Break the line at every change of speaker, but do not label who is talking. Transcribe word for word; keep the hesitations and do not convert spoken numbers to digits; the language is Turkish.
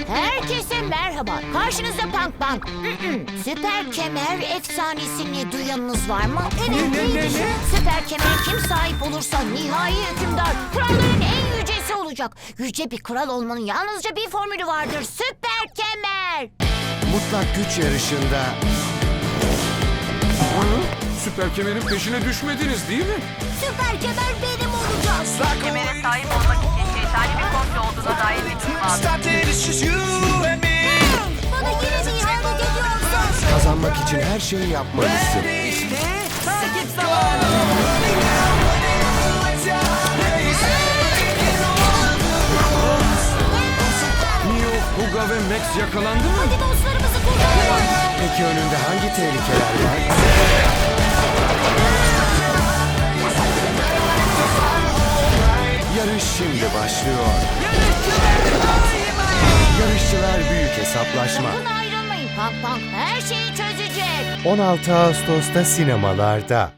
Herkese merhaba. Karşınızda Punk Punk. Süper kemer efsanesini duyanınız var mı? Evet,
Ne, ne, ne,
neydi?
ne?
Süper kemer kim sahip olursa nihai hükümdar, kralların en yücesi olacak. Yüce bir kral olmanın yalnızca bir formülü vardır. Süper kemer.
Mutlak güç yarışında
Süper kemerin peşine düşmediniz değil mi?
Süper kemer benim olacak.
Süper kemere sahip olmak için şeytani bir komplo olduğuna dair bir bilgi var.
Bana yine mi ihanet ediyorsun?
kazanmak için her şeyi yapmalısın.
Takip zamanı.
Neo, Huga ve Max yakalandı mı?
Hadi dostlarımızı kurtaralım.
Peki önünde hangi tehlikeler var? Yarış şimdi başlıyor. Yarışçılar büyük hesaplaşma.
Sakın ayrılmayın. Punk Punk her şeyi çözecek.
on altı Ağustos'ta sinemalarda.